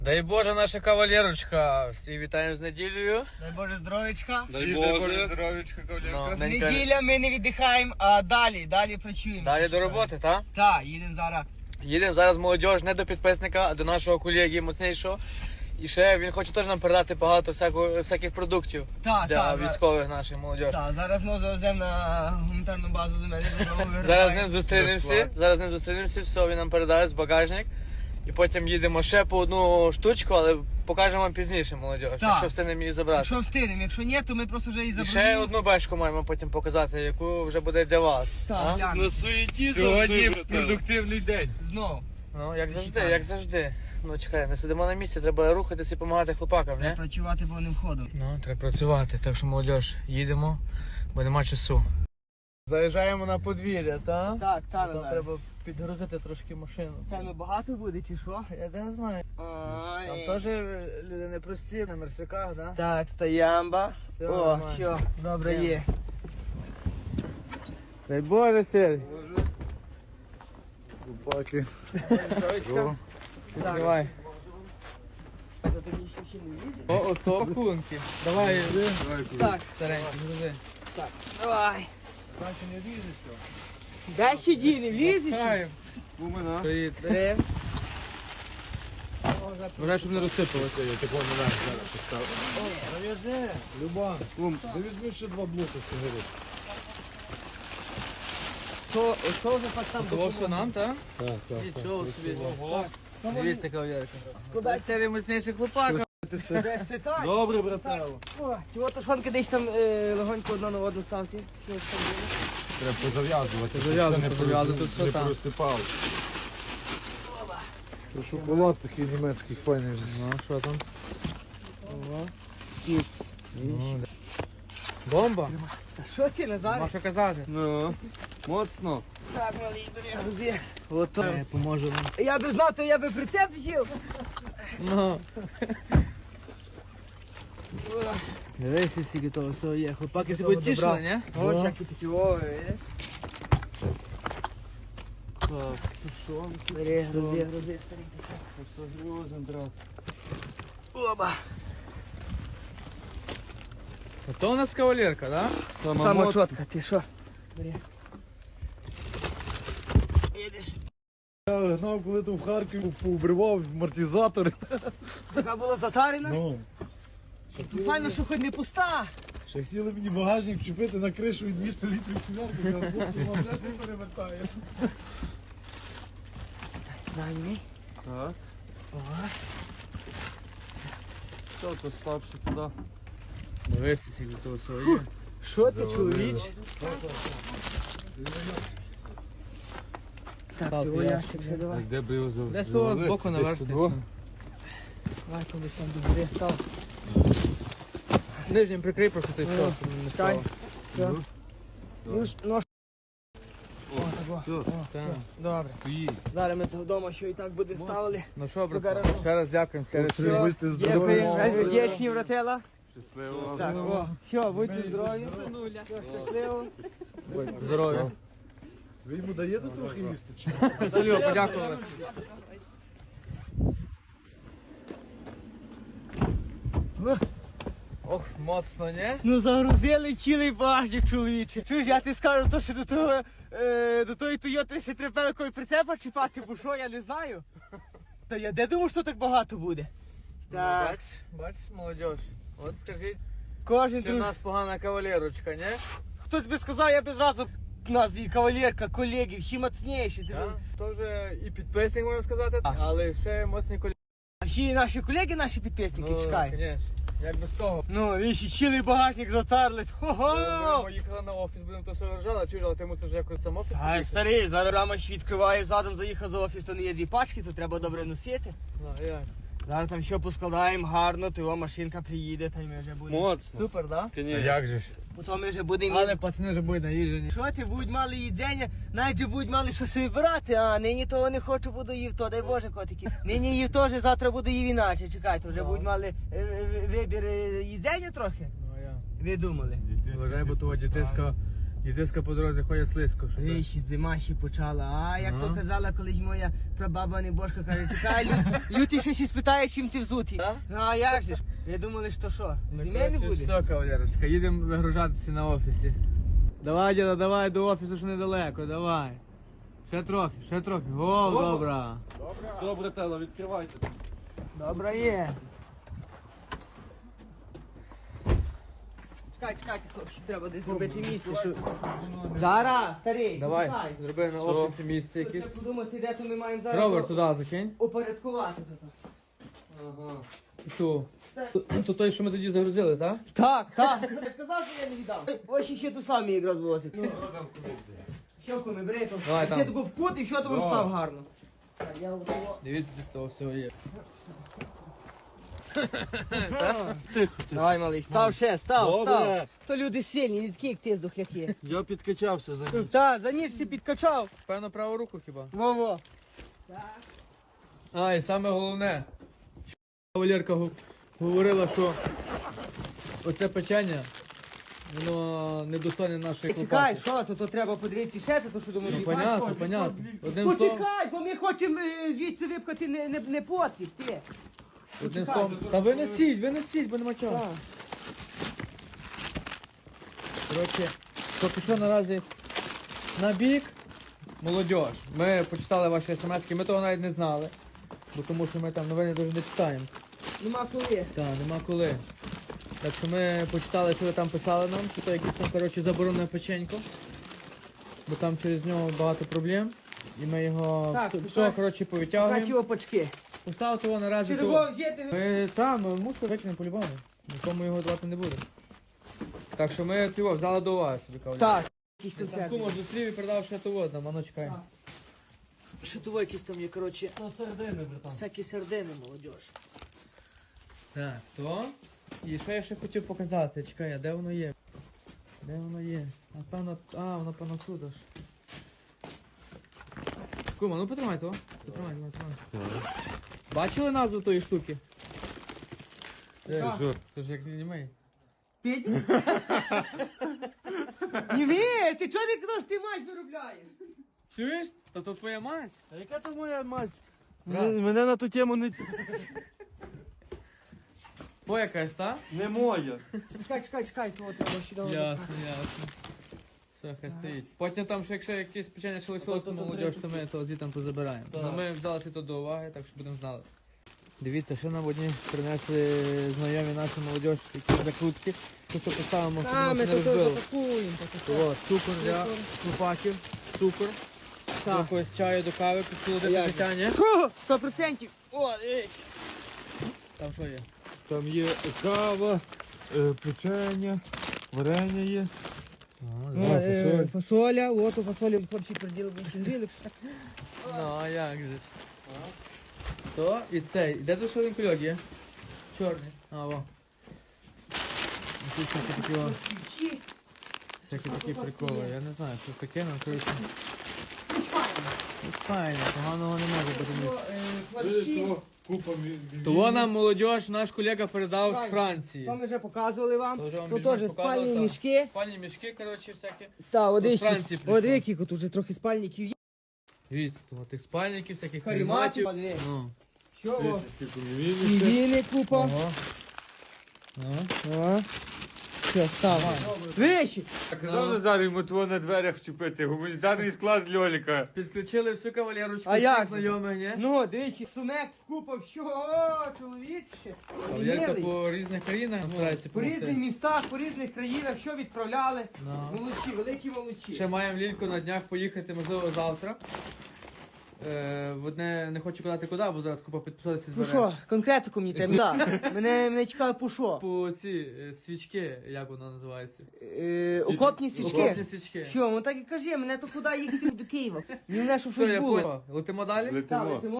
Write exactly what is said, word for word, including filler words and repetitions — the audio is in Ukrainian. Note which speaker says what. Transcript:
Speaker 1: Дай Боже, наша кавалерочка. Всі вітаємо з неділею.
Speaker 2: Дай Боже здоровечка.
Speaker 3: Дай Боже, здоров'ячка, кавалерка.
Speaker 1: Ну,
Speaker 2: Неділя ми не віддихаємо, а далі, далі працюємо.
Speaker 1: Далі до роботи, так?
Speaker 2: Так, їдемо зараз.
Speaker 1: Їдемо зараз молодіж не до підписника, а до нашого колеги моцнішого. І ще він хоче теж нам передати багато всякого, всяких продуктів
Speaker 2: Так,
Speaker 1: для
Speaker 2: так.
Speaker 1: військових наших молодіж.
Speaker 2: Так, зараз ми завеземо на гуманітарну базу до мене. додому,
Speaker 1: Зараз з ним
Speaker 2: виграємо.
Speaker 1: зустрінемося, зараз з ним зустрінемося, все, він нам передає з багажник. І потім їдемо ще по одну штучку, але покажемо вам пізніше, молодіж, якщо встигнемо її забрати.
Speaker 2: Якщо встигнемо, якщо ні, то ми просто вже її
Speaker 1: І
Speaker 2: заберемо.
Speaker 1: ще одну бешку маємо потім показати, яку вже буде для вас.
Speaker 2: Так,
Speaker 1: А?
Speaker 2: глянемо.
Speaker 3: На суеті
Speaker 4: Сьогодні
Speaker 3: завжди,
Speaker 4: продуктивний день.
Speaker 2: Знову.
Speaker 1: Ну, як завжди, як завжди. Ну, чекай, не сидимо на місці, треба рухатися і допомагати хлопакам, не?
Speaker 2: Треба працювати повним ходом.
Speaker 1: Ну, треба працювати, так що, молодіж, їдемо, бо нема часу. Заїжджаємо на подвір'я, так?
Speaker 2: Так, так,
Speaker 1: Там
Speaker 2: Назар.
Speaker 1: треба підгрузити трошки машину.
Speaker 2: Певно, багато буде чи що?
Speaker 1: Я не знаю.
Speaker 2: Ой.
Speaker 1: Там теж люди непрості, на мерсиках, да?
Speaker 2: Так, стоямба.
Speaker 1: Все,
Speaker 2: О,
Speaker 1: нормально.
Speaker 2: все, добре є.
Speaker 1: Дай Боже, Сергій.
Speaker 4: Паки.
Speaker 2: Так,
Speaker 1: Давай.
Speaker 2: то тобі ще ще не їде?
Speaker 1: О, ото пакунки. Давай,
Speaker 2: Так,
Speaker 1: старенький, грузи.
Speaker 2: так, давай. Дай сиді, не влізеш?
Speaker 1: Привіт.
Speaker 2: Бери.
Speaker 1: Вважай, щоб не розсипалося.
Speaker 4: Люба, кум, ти візьми ще два блоки сигарет.
Speaker 2: То, то вже так там
Speaker 1: Того все нам, так?
Speaker 4: Так, так.
Speaker 1: Нічого собі. Дивіться, кавалерка.
Speaker 2: складай.
Speaker 1: Серій міцніших хлопаків.
Speaker 2: Без питань.
Speaker 4: Добре, братело.
Speaker 2: О, чого то шонки десь там е, легонько одна на одну ставте. Що ж там було?
Speaker 4: Треба позав'язувати.
Speaker 1: Позав'язувати,
Speaker 4: щоб це
Speaker 1: позав'язувати,
Speaker 4: не
Speaker 1: тут все
Speaker 4: не
Speaker 1: там.
Speaker 4: просипало. Це шоколад такий німецький файний.
Speaker 1: Ну, що там?
Speaker 2: Ого.
Speaker 1: Ну, да. Бомба?
Speaker 2: А що ти, Назар?
Speaker 1: Можна казати.
Speaker 3: Ну, моцно.
Speaker 2: Так, малий, бери грузи. Ото.
Speaker 1: Поможе нам.
Speaker 2: Я би знав, то я би прицеп взяв.
Speaker 1: Ну. Дивися, скільки того всього є. Хлопаки
Speaker 2: Того
Speaker 1: себе тішили,
Speaker 2: добра.
Speaker 1: ні?
Speaker 2: Ось які такі ови, видиш?
Speaker 1: Так,
Speaker 2: Бери, грузи, грузи, старий.
Speaker 3: Все грузим, брат.
Speaker 2: Оба.
Speaker 1: то у нас кавалерка, да?
Speaker 2: Сама чітка, ти що? Бери. Їдеш.
Speaker 4: Я гнав, коли там в Харкові поубривав амортизатори.
Speaker 2: Така була затарена.
Speaker 4: Ну,
Speaker 2: Файно, що хоч не пуста.
Speaker 4: ще хотіли мені багажник вчепити на кришу і двісті літрів цвярки, а хлопці вже перевертає.
Speaker 2: Дай мені.
Speaker 3: Так. Все, то ставши туди.
Speaker 1: Дивися, скільки того всього є.
Speaker 2: Що ти, чоловіч? Так,
Speaker 1: Так,
Speaker 2: його
Speaker 1: я-
Speaker 2: ящик ще давай.
Speaker 3: Де би його
Speaker 1: Десь того з боку наверсти.
Speaker 3: Десь
Speaker 2: Давай, коли там добре став.
Speaker 1: Нижнім прикрий просто ти все,
Speaker 2: Ну,
Speaker 1: щоб не
Speaker 2: чекай.
Speaker 1: стало.
Speaker 2: Все. Ну, ж- ну, ж-
Speaker 3: О,
Speaker 2: О,
Speaker 3: все,
Speaker 2: о,
Speaker 1: Так.
Speaker 2: добре.
Speaker 3: поїдь.
Speaker 2: Зараз ми того вдома що і так буде ставили.
Speaker 1: Ну що, брат,
Speaker 2: гаражу.
Speaker 1: ще раз дякуємо. Ще раз
Speaker 4: Все, будьте здорові.
Speaker 2: Дякую, вдячні, братела.
Speaker 3: Щасливо.
Speaker 2: Так, о, що, будьте здорові. Все, щасливо.
Speaker 1: здоров'я.
Speaker 4: Ви йому даєте трохи їсти? Чи?
Speaker 1: Василю, подякували. Ох, моцно, не?
Speaker 2: Ну загрузили цілий багажник, чоловіче. Чуєш, я ти скажу, то що до того, е, до тої Тойоти ще треба якої прицепа чіпати, бо що, я не знаю. Та я де думав, що так багато буде? Так,
Speaker 1: Бач, бач, молодіж. От скажіть,
Speaker 2: кожен
Speaker 1: чи в
Speaker 2: друг...
Speaker 1: нас погана кавалерочка, не?
Speaker 2: Хтось би сказав, я би зразу у нас і кавалерка, колеги, всі мацніші. Ти
Speaker 1: Так?
Speaker 2: що?
Speaker 1: То вже і підписник, можна сказати, але ще моцні колеги.
Speaker 2: А всі наші колеги, наші підписники, чекай.
Speaker 1: звісно. Як без того.
Speaker 2: Ну, віщі, цілий багажник затарлись. Хо-хо!
Speaker 1: Ми їхали на офіс, будемо то все ржали, чуєш, але ти мусиш якось сам офіс
Speaker 2: Ай,
Speaker 1: поїхати.
Speaker 2: старий, зараз рамаш відкриває задом, заїхав за офіс, то не є дві пачки, то треба добре носити.
Speaker 1: Ну, як?
Speaker 2: Зараз там все поскладаємо гарно, то його машинка приїде, та й ми вже будемо.
Speaker 3: Моцно.
Speaker 1: Супер, да?
Speaker 3: Конечно.
Speaker 4: же ж?
Speaker 2: Потім ми вже будемо.
Speaker 1: Але пацани вже будуть наїжджені.
Speaker 2: Що ти, будуть мали їдення, навіть же будуть мали що собі брати, а нині того не хочу, буду їв то, дай Боже, котики. Нині їв теж, завтра буду їв іначе, чекайте, вже
Speaker 1: Так.
Speaker 2: будуть мали е, е, вибір е, їдення трохи.
Speaker 1: Ну, а я.
Speaker 2: Ви думали?
Speaker 1: Вважай, бо того дітиська Дітиська по дорозі ходять слизько. Щоб...
Speaker 2: Виші, зима ще почала. А як
Speaker 1: Ага.
Speaker 2: то казала колись моя прабаба Небожка, каже, чекай, лют, лютий щось і спитає, чим ти взутий.
Speaker 1: Так?
Speaker 2: Ну а як же ж? Я думали, що що, зиме не буде?
Speaker 1: Все, кавалерочка, їдемо вигружатися на офісі. Давай, діда, давай до офісу, що недалеко, давай. Ще трохи, ще трохи. О, добра.
Speaker 3: Все, братела, відкривайте.
Speaker 1: Добра є.
Speaker 2: Чекай, чекайте, хлопці, треба десь зробити місце, що... Зараз, старий,
Speaker 1: Давай,
Speaker 2: почекай.
Speaker 1: зроби на
Speaker 3: Все.
Speaker 1: офісі місце
Speaker 2: Треба
Speaker 1: якесь.
Speaker 2: подумати, де то ми маємо зараз
Speaker 1: Ровер
Speaker 2: то
Speaker 1: туди закинь.
Speaker 2: упорядкувати тут.
Speaker 3: Ага.
Speaker 1: І ту. То, то той, що ми тоді загрузили, так?
Speaker 2: Так, так. Я ж казав, що я не віддав. Ось ще ту самі якраз возить. Що коми, бери то.
Speaker 1: Давай там.
Speaker 2: Все тако в кут і що там став гарно. Так, я отого.
Speaker 1: Дивіться, то все є.
Speaker 2: Давай, малий, став ще, став,
Speaker 3: Добре.
Speaker 2: став. То люди сильні, не такі, як ти, здохляки.
Speaker 3: Я підкачався за ніч.
Speaker 2: Та, за ніж всі підкачав.
Speaker 1: Певно, праву руку хіба.
Speaker 2: Во-во.
Speaker 1: А, і саме головне. Кавалерка гу- говорила, що оце печення, воно недостойне нашої
Speaker 2: Чекай,
Speaker 1: лопати.
Speaker 2: що, то, то треба подивитися ще, то що думаю,
Speaker 1: Ну,
Speaker 2: їбать.
Speaker 1: понятно, понятно. Одним словом,
Speaker 2: Почекай, бо ми хочемо е, звідси випхати не, не, не потріб, ти.
Speaker 1: одним
Speaker 2: почекай.
Speaker 1: словом. Та ви несіть, ви несіть, бо нема чого.
Speaker 2: Так.
Speaker 1: Коротше, поки що наразі на бік. Молодіж. Ми почитали ваші смски, ми того навіть не знали. Бо тому що ми там новини дуже не читаємо.
Speaker 2: Нема коли.
Speaker 1: Так, нема коли. Так що ми почитали, що ви там писали нам, що то якесь там, коротше, заборонене печенько. Бо там через нього багато проблем. І ми його
Speaker 2: Так,
Speaker 1: все,
Speaker 2: так.
Speaker 1: все, коротше,
Speaker 2: Каті
Speaker 1: повитягуємо.
Speaker 2: опачки.
Speaker 1: Поставити його наразі.
Speaker 2: Чи
Speaker 1: то-
Speaker 2: його взяти?
Speaker 1: Ми там, ми мусор викинемо по-любому. Нікому його давати не буде. Так що ми його взяли до уваги собі, кавалер.
Speaker 2: Так. Якісь
Speaker 1: Там
Speaker 2: концерти.
Speaker 1: кумар зустрів і передав ще того, там, воно чекай.
Speaker 2: Так. Що того якісь там є, коротше,
Speaker 3: На середини, братан.
Speaker 2: всякі сердини, молодіж.
Speaker 1: Так, то. І що я ще хотів показати? Чекай, а де воно є? Де воно є? Напевно, а, воно певно тут аж. Кума, ну потримай то. Потримай, потримай, потримай. Бачили назву тої штуки? Е,
Speaker 2: Так.
Speaker 1: що? Це ж як німей.
Speaker 2: Петь? Ні, ви, ти чого не казав, що ти мать виробляєш?
Speaker 1: Чуєш? Та то твоя мазь.
Speaker 3: А яка то моя мазь?
Speaker 1: Брат.
Speaker 3: Мене, мене на ту тему не,
Speaker 1: Твоя кажеш, так?
Speaker 3: не моя.
Speaker 2: Чекай, чекай, чекай, того треба сюди.
Speaker 1: Ясно, ясно. Все, хай стоїть. Потім там, що якщо якесь печення ще лишилось, то молодіж, то ми то звідти позабираємо.
Speaker 3: Так.
Speaker 1: Ну ми взяли це до уваги, так що будемо знали. Дивіться, що нам одні принесли знайомі наші молодіж, які закрутки. Тут поставимо, щоб
Speaker 2: А,
Speaker 1: воно
Speaker 2: ми
Speaker 1: не
Speaker 2: тут
Speaker 1: розбило.
Speaker 2: запакуємо.
Speaker 1: От, цукор для хлопаків, цукор.
Speaker 2: Так.
Speaker 1: Якось чаю до кави, підсолодити
Speaker 2: як
Speaker 1: життя, ні?
Speaker 2: Сто процентів. О, ей.
Speaker 1: Там що є?
Speaker 3: Там є кава, е, печення, варення є.
Speaker 2: Ну, е, Фасоля, от у фасолі хлопці приділи бенчингрили.
Speaker 1: Ну, а як же ж? То і цей. Де тут ще один кульок є? Чорний. А, во. І Тут всякі такі, о,
Speaker 2: Ключі.
Speaker 1: всякі такі приколи. Я не знаю, що таке, ну коротше. Ну, файно, поганого не може бути. ні.
Speaker 2: Е, Плащі.
Speaker 3: Купа
Speaker 1: Того нам молодіж наш колега передав з
Speaker 2: Франції.
Speaker 1: Франції.
Speaker 2: То ми вже показували вам.
Speaker 1: То вже вам
Speaker 2: Тут
Speaker 1: більш-менш
Speaker 2: теж
Speaker 1: показували,
Speaker 2: спальні
Speaker 1: так.
Speaker 2: мішки.
Speaker 1: Спальні мішки, коротше, всякі.
Speaker 2: Та,
Speaker 1: З
Speaker 2: один
Speaker 1: Франції прийшло.
Speaker 2: От які тут вже трохи спальників є.
Speaker 1: Дивіться, того тих спальників, всяких
Speaker 2: Каріматів.
Speaker 1: каріматів. Ну.
Speaker 2: Що? О,
Speaker 3: Скільки
Speaker 2: Півіни купа.
Speaker 1: Ого. Ага.
Speaker 2: О. Що, став. Вищі.
Speaker 5: Казав Назар йому твого на дверях вчепити, гуманітарний склад Льоліка.
Speaker 1: Підключили всю кавалерочку,
Speaker 2: А як
Speaker 1: всіх
Speaker 2: же?
Speaker 1: знайомих, ні?
Speaker 2: Ну, дивіться, сумек купа, що, о, чоловіче.
Speaker 1: Кавалерка
Speaker 2: Милий.
Speaker 1: по різних країнах старається
Speaker 2: По різних
Speaker 1: допомогти.
Speaker 2: містах, по різних країнах, що відправляли.
Speaker 1: Ну.
Speaker 2: Молодці, великі молодці.
Speaker 1: Ще маємо лільку на днях поїхати, можливо, завтра. Е, в одне не хочу казати куди, бо зараз купа підписатися
Speaker 2: По
Speaker 1: збере.
Speaker 2: що? Конкретику мені треба. Да. Мене, мене цікаво по що?
Speaker 1: По ці е, свічки, як воно називається?
Speaker 2: Е, окопні свічки.
Speaker 1: Окопні свічки.
Speaker 2: Що, ну так і кажи, мене то куди їхати до Києва? Мені мене що
Speaker 1: Все,
Speaker 2: щось
Speaker 1: я
Speaker 2: було.
Speaker 1: понял. Летимо далі?
Speaker 2: Так,
Speaker 5: Летимо.
Speaker 2: летимо.